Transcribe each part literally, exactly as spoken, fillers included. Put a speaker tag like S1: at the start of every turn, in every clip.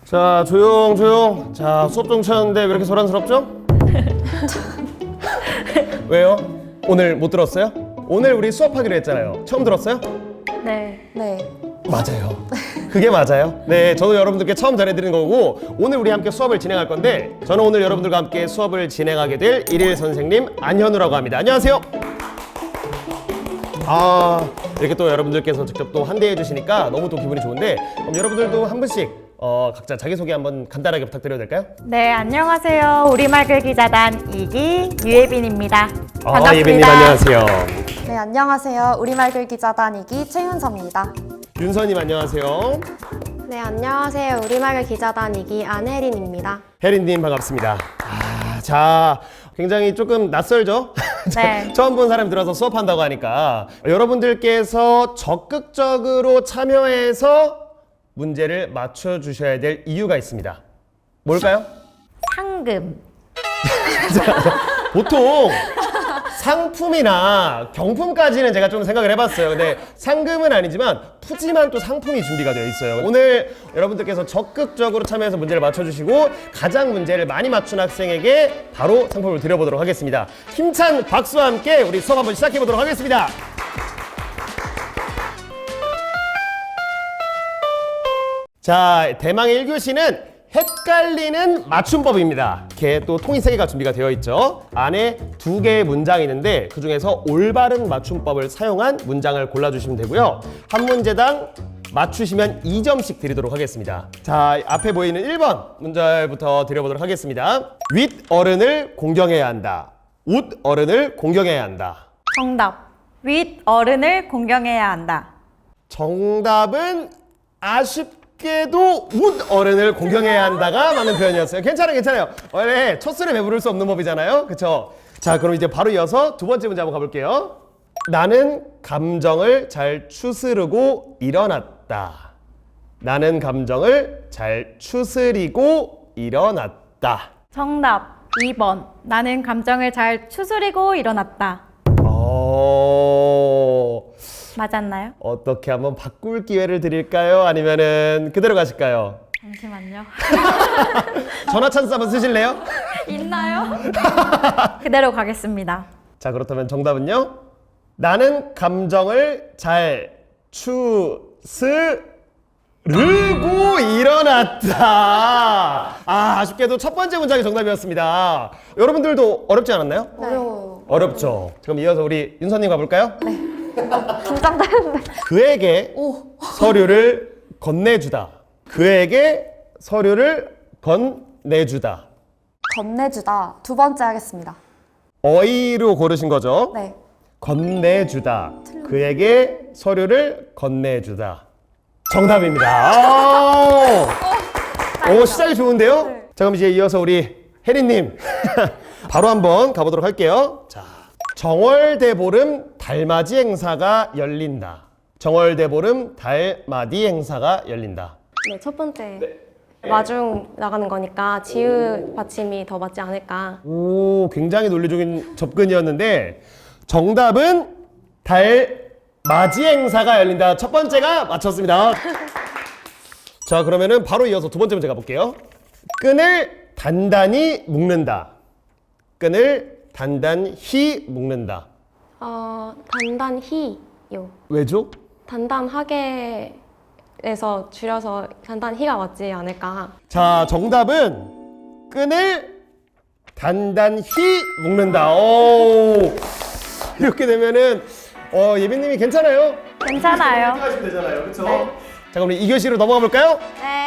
S1: 자, 조용 조용. 자, 수업 정치하는데 왜 이렇게 소란스럽죠? 왜요? 오늘 못 들었어요? 오늘 우리 수업하기로 했잖아요. 처음 들었어요?
S2: 네.
S3: 네.
S1: 맞아요. 그게 맞아요. 네, 저도 여러분들께 처음 전해드리는 거고, 오늘 우리 함께 수업을 진행할 건데, 저는 오늘 여러분들과 함께 수업을 진행하게 될 일일 선생님 안현우라고 합니다. 안녕하세요. 아, 이렇게 또 여러분들께서 직접 또 환대해 주시니까 너무 또 기분이 좋은데, 그럼 여러분들도 한 분씩 어, 각자 자기소개 한번 간단하게 부탁드려도 될까요?
S2: 네, 안녕하세요. 우리말 글기자단 이 기 유예빈입니다. 반갑습니다.
S1: 아, 예빈님 안녕하세요.
S3: 네, 안녕하세요. 우리말 글기자단 이 기 최윤서입니다.
S1: 윤서님 안녕하세요.
S4: 네, 안녕하세요. 우리말 기자단 이 기 안혜린입니다.
S1: 혜린님 반갑습니다. 아, 자, 굉장히 조금 낯설죠?
S2: 네.
S1: 처음 본 사람 들어서 수업한다고 하니까 여러분들께서 적극적으로 참여해서 문제를 맞춰주셔야 될 이유가 있습니다. 뭘까요?
S2: 상금.
S1: 보통 상품이나 경품까지는 제가 좀 생각을 해봤어요. 근데 상금은 아니지만 푸짐한 또 상품이 준비가 되어 있어요. 오늘 여러분들께서 적극적으로 참여해서 문제를 맞춰주시고 가장 문제를 많이 맞춘 학생에게 바로 상품을 드려보도록 하겠습니다. 힘찬 박수와 함께 우리 수업 한번 시작해보도록 하겠습니다. 자, 대망의 일 교시는 헷갈리는 맞춤법입니다. 이렇게 또 통이 세 개가 준비가 되어 있죠. 안에 두 개의 문장이 있는데 그 중에서 올바른 맞춤법을 사용한 문장을 골라주시면 되고요. 한 문제당 맞추시면 이 점씩 드리도록 하겠습니다. 자, 앞에 보이는 일 번 문제부터 드려보도록 하겠습니다. 윗 어른을 공경해야 한다. 웃 어른을 공경해야 한다.
S2: 정답. 윗 어른을 공경해야 한다.
S1: 정답은 아쉽게도 웃 어른을 공경해야 한다가 맞는 표현이었어요. 괜찮아요, 괜찮아요. 원래 첫 술에 배부를 수 없는 법이잖아요. 그쵸? 자, 그럼 이제 바로 이어서 두 번째 문제 한번 가볼게요. 나는 감정을 잘 추스르고 일어났다. 나는 감정을 잘 추스리고 일어났다.
S2: 정답. 이 번. 나는 감정을 잘 추스리고 일어났다.
S1: 어...
S2: 맞았나요?
S1: 어떻게 한번 바꿀 기회를 드릴까요? 아니면은 그대로 가실까요?
S2: 잠시만요.
S1: 전화 찬스 한번 쓰실래요?
S2: 있나요? 그대로 가겠습니다.
S1: 자, 그렇다면 정답은요? 나는 감정을 잘 추스르고 일어났다. 아, 아쉽게도 첫 번째 문장이 정답이었습니다. 여러분들도 어렵지 않았나요?
S3: 어려워요.
S1: 어렵죠. 그럼 이어서 우리 윤서님 가볼까요? 네.
S3: 긴장되는데.
S1: 그에게
S3: 오.
S1: 서류를 건네주다. 그에게 서류를 건네주다.
S3: 건네주다. 두 번째 하겠습니다.
S1: 어휘로 고르신 거죠?
S3: 네.
S1: 건네주다. 그에게 서류를 건네주다. 정답입니다. 오, 시작이 좋은데요? 자, 그럼 이제 이어서 우리 혜린님 바로 한번 가보도록 할게요. 자, 정월대보름 달맞이 행사가 열린다. 정월대보름 달맞이 행사가 열린다.
S4: 네, 첫 번째 마중 나가는 거니까 지읒 받침이 더 맞지 않을까.
S1: 오, 굉장히 논리적인 접근이었는데 정답은 달맞이 행사가 열린다. 첫 번째가 맞췄습니다. 자, 그러면은 바로 이어서 두 번째 문제 가볼게요. 끈을 단단히 묶는다. 끈을 단단히 묶는다.
S4: 어, 단단히요.
S1: 왜죠?
S4: 단단하게에서 줄여서 단단히가 맞지 않을까.
S1: 자, 정답은 끈을 단단히 묶는다. 오, 이렇게 되면은 어, 예빈님이 괜찮아요?
S2: 괜찮아요.
S1: 하시면 되잖아요, 그렇죠? 자, 그럼 이 교시로 넘어가 볼까요?
S2: 네.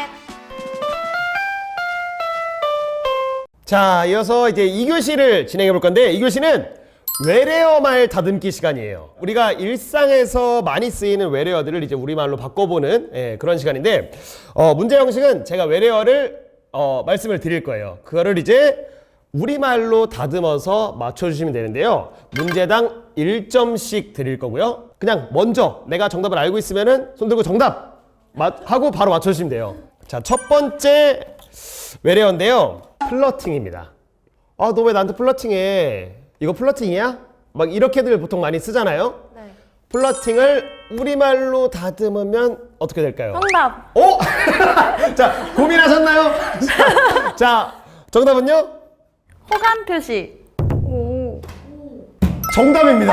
S1: 자, 이어서 이제 이 교시를 진행해 볼 건데 이 교시는 외래어 말 다듬기 시간이에요. 우리가 일상에서 많이 쓰이는 외래어들을 이제 우리말로 바꿔보는 예, 그런 시간인데 어, 문제 형식은 제가 외래어를 어, 말씀을 드릴 거예요. 그거를 이제 우리말로 다듬어서 맞춰주시면 되는데요. 문제당 일 점씩 드릴 거고요. 그냥 먼저 내가 정답을 알고 있으면은 손 들고 정답 하고 바로 맞춰주시면 돼요. 자, 첫 번째 외래어인데요. 플러팅입니다. 아, 너 왜 나한테 플러팅해? 이거 플러팅이야? 막 이렇게들 보통 많이 쓰잖아요.
S4: 네.
S1: 플러팅을 우리말로 다듬으면 어떻게 될까요?
S2: 정답.
S1: 오! 자, 고민하셨나요? 자, 자, 정답은요?
S2: 호감 표시.
S4: 오.
S1: 정답입니다.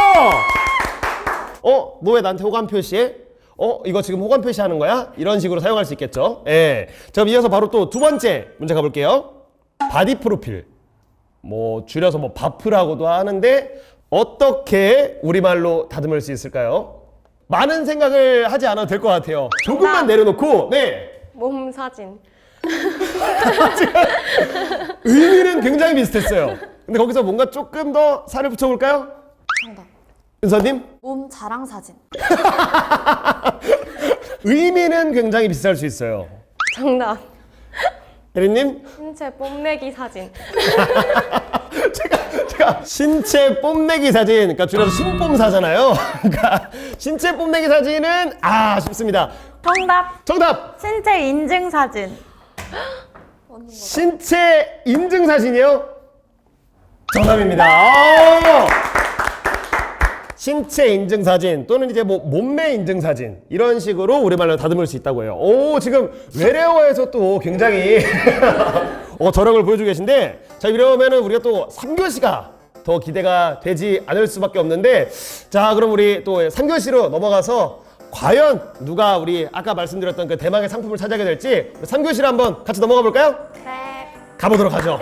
S1: 오! 어, 너 왜 나한테 호감 표시해? 어, 이거 지금 호감 표시하는 거야? 이런 식으로 사용할 수 있겠죠? 예. 자, 그럼 이어서 바로 또 두 번째 문제 가볼게요. 바디 프로필. 뭐 줄여서 뭐 바프라고도 하는데 어떻게 우리말로 다듬을 수 있을까요? 많은 생각을 하지 않아도 될 것 같아요. 조금만 내려놓고, 네.
S4: 몸 사진.
S1: 의미는 굉장히 비슷했어요. 근데 거기서 뭔가 조금 더 살을 붙여볼까요?
S3: 정답.
S1: 윤서님?
S3: 몸 자랑 사진.
S1: 의미는 굉장히 비슷할 수 있어요.
S4: 정답.
S1: 혜리님?
S4: 신체 뽐내기 사진.
S1: 제가, 제가 신체 뽐내기 사진, 그러니까 줄여서 신뽐사잖아요. 그러니까 신체 뽐내기 사진은 아 쉽습니다.
S2: 정답.
S1: 정답!
S2: 신체 인증 사진.
S1: 신체 인증 사진이요? 정답입니다. 아! 신체 인증 사진 또는 이제 뭐 몸매 인증 사진 이런 식으로 우리말로 다듬을 수 있다고 해요. 오, 지금 외래어에서 또 굉장히 어, 저력을 보여주고 계신데, 자, 이러면은 우리가 또 삼 교시가 더 기대가 되지 않을 수밖에 없는데, 자, 그럼 우리 또 삼 교시로 넘어가서 과연 누가 우리 아까 말씀드렸던 그 대망의 상품을 차지하게 될지 삼 교시로 한번 같이 넘어가 볼까요?
S4: 네.
S1: 가보도록 하죠.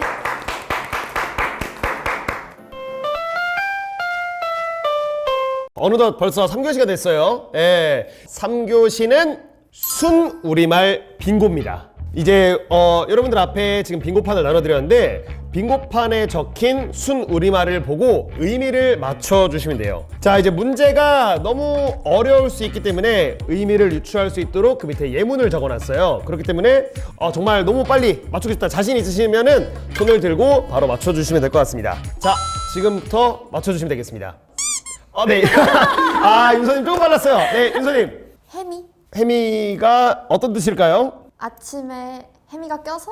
S1: 어느덧 벌써 삼 교시가 됐어요. 예. 삼 교시는 순 우리말 빙고입니다. 이제 어, 여러분들 앞에 지금 빙고판을 나눠드렸는데 빙고판에 적힌 순 우리말을 보고 의미를 맞춰주시면 돼요. 자, 이제 문제가 너무 어려울 수 있기 때문에 의미를 유추할 수 있도록 그 밑에 예문을 적어놨어요. 그렇기 때문에 어, 정말 너무 빨리 맞추고 싶다 자신 있으시면은 손을 들고 바로 맞춰주시면 될 것 같습니다. 자, 지금부터 맞춰주시면 되겠습니다. 어, 네. 아, 윤서님 조금 빨랐어요. 네, 윤서님.
S3: 해미.
S1: 해미가 어떤 뜻일까요?
S3: 아침에 해미가 껴서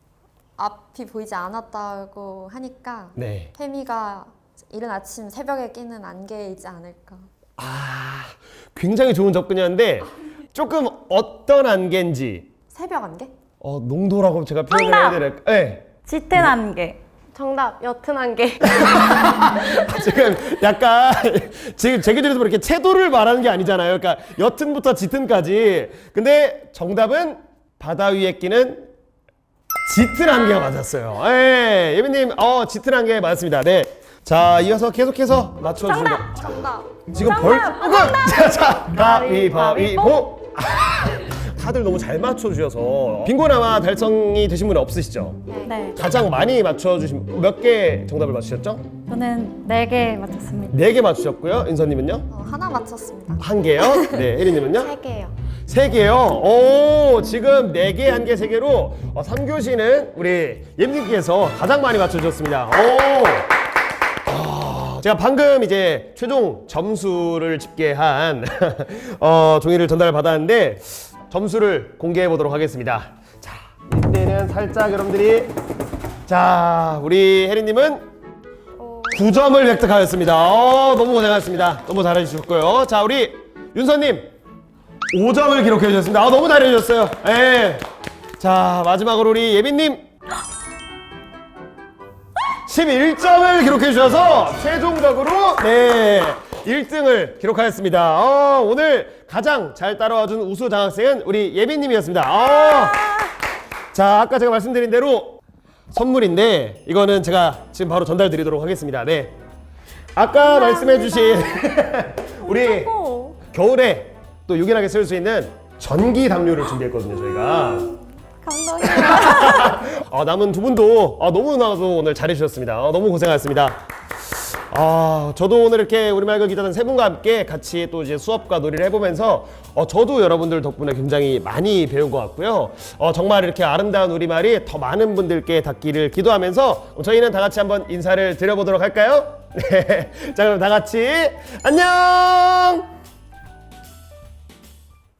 S3: 앞이 보이지 않았다고 하니까
S1: 네.
S3: 해미가 이른 아침 새벽에 끼는 안개이지 않을까.
S1: 아, 굉장히 좋은 접근이었는데 조금 어떤 안개인지
S3: 새벽 안개?
S1: 어, 농도라고 제가 표현을
S2: 정답!
S1: 해야 될까? 네.
S2: 짙은 안개.
S4: 정답. 옅은 안개.
S1: 지금 약간 지금 제 기준에서 이렇게 채도를 말하는 게 아니잖아요. 그러니까 옅은부터 짙은까지. 근데 정답은 바다 위에 끼는 짙은 안개가 맞았어요. 예, 예빈님, 어, 짙은 안개 맞습니다. 네. 자, 이어서 계속해서 맞춰주시면 돼요. 자,
S3: 정답.
S1: 지금 벌, 자, 자, 가위바위보. 다들 너무 잘 맞춰주셔서 빙고나마 달성이 되신 분은 없으시죠?
S2: 네.
S1: 가장 많이 맞춰주신 몇 개 정답을 맞추셨죠?
S2: 저는 네 개 맞췄습니다.
S1: 네 개 맞추셨고요. 인서님은요?
S3: 어, 하나 맞췄습니다.
S1: 한 개요. 네, 혜리님은요?
S3: 세 개요.
S1: 세 개요. 오, 지금 네 개, 한 개, 세 개로 어, 삼 교시는 우리 예님께서 가장 많이 맞춰주셨습니다. 오. 아, 제가 방금 이제 최종 점수를 집계한 어, 종이를 전달을 받았는데 점수를 공개해 보도록 하겠습니다. 자, 이때는 살짝 여러분들이 자, 우리 혜리님은 구 점을 획득하였습니다. 어, 너무 고생하셨습니다. 너무 잘해주셨고요. 자, 우리 윤서님 오 점을 기록해 주셨습니다. 아, 너무 잘해주셨어요. 예. 자, 마지막으로 우리 예빈님 십일 점을 기록해 주셔서 최종적으로 네 일 등을 기록하였습니다. 어, 오늘 가장 잘 따라와준 우수 장학생은 우리 예빈님이었습니다. 어. 자, 아까 제가 말씀드린 대로 선물인데 이거는 제가 지금 바로 전달 드리도록 하겠습니다. 네. 아까 말씀해주신 우리 겨울에 또 유연하게 쓸 수 있는 전기 담요를 준비했거든요, 저희가.
S3: 감동이야.
S1: 아, 남은 두 분도 아, 너무나도 오늘 잘해주셨습니다. 아, 너무 고생하셨습니다. 아, 저도 오늘 이렇게 우리말 그 기자단 세 분과 함께 같이 또 이제 수업과 놀이를 해보면서 어, 저도 여러분들 덕분에 굉장히 많이 배운 것 같고요. 어, 정말 이렇게 아름다운 우리말이 더 많은 분들께 닿기를 기도하면서 저희는 다 같이 한번 인사를 드려보도록 할까요? 네. 자, 그럼 다 같이 안녕!